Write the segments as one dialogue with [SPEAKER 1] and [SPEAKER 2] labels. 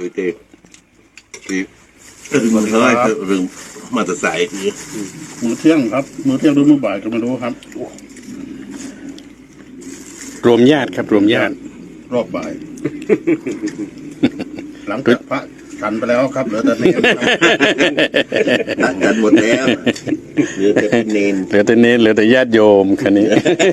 [SPEAKER 1] với tê thìมันเท่าไรเรื่องมาตรสายคือ
[SPEAKER 2] มื้อเที่ยงครับมื้อเที่ยงหรือมื้อบ่ายก็ไม่รู้ครับ
[SPEAKER 3] รวมญาติครับรวมญาติ
[SPEAKER 2] รอบบ่าย หลังจากพระฉันไปแล้วครับเหลือแต่เนร
[SPEAKER 1] ต่างกันหมดแล้วเหลือแต่เนน
[SPEAKER 3] เหลือแต่เน้นเหลือแต่ญาติโยมคันนี้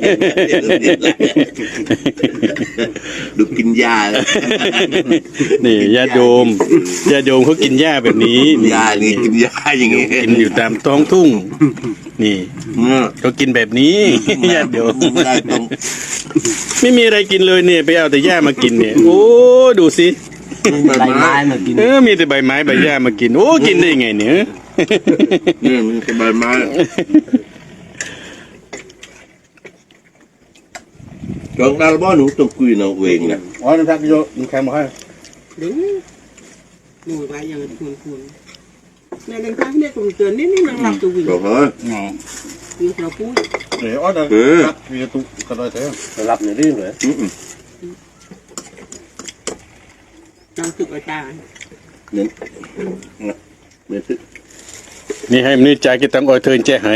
[SPEAKER 1] ดูกินยา
[SPEAKER 3] นี่ญาติโยมเขากินหญ้าแบบนี้
[SPEAKER 1] ยานี่กินยาอย่างงี้
[SPEAKER 3] กินอยู่ตามท้องทุ่ง นี่เขากินแบบนี้ญาติโยม
[SPEAKER 1] ได้ตรง
[SPEAKER 3] ไม่มีอะไรกินเลยเนี่ยไปเอาแต่หญ้ามากินเนี่ยโอ้ดูสิ
[SPEAKER 1] ใบไม้มากิน
[SPEAKER 3] มีแต่ใบไม้ใบหญ้ามากินโอ้กินได้ยังไงเนี่ย
[SPEAKER 1] นี่มันเป็นใบไม้จองดาลบ้าหนูต้องคุยน้องเวงนะ
[SPEAKER 2] อ๋อนี่พักโยนแคมมาให้
[SPEAKER 4] đúng ngồi vai giờ cuồn cuồn này đừng khác này cùng tưởng đến năng làm tù vịnh
[SPEAKER 1] บอกเฮ้ย
[SPEAKER 2] อ๋อ
[SPEAKER 4] việc là cúi
[SPEAKER 2] เดี๋ยวอ๋อเดี๋ยวครับมีตุกกระโดดเถอะ
[SPEAKER 1] รับในเรื่องเลย
[SPEAKER 4] làm thực ở trà
[SPEAKER 1] เน้นเน้นซึก
[SPEAKER 3] นี่ให้มันนี่จ่ายกี่ตังค์ออยเทินแจ้หาย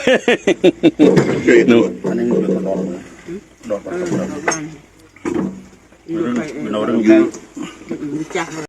[SPEAKER 1] นู่น
[SPEAKER 2] อันนี้มันเป็นกระโดดเลยโดดไป
[SPEAKER 4] ở bàn
[SPEAKER 2] มันเอาเรื่องแค่
[SPEAKER 4] chặt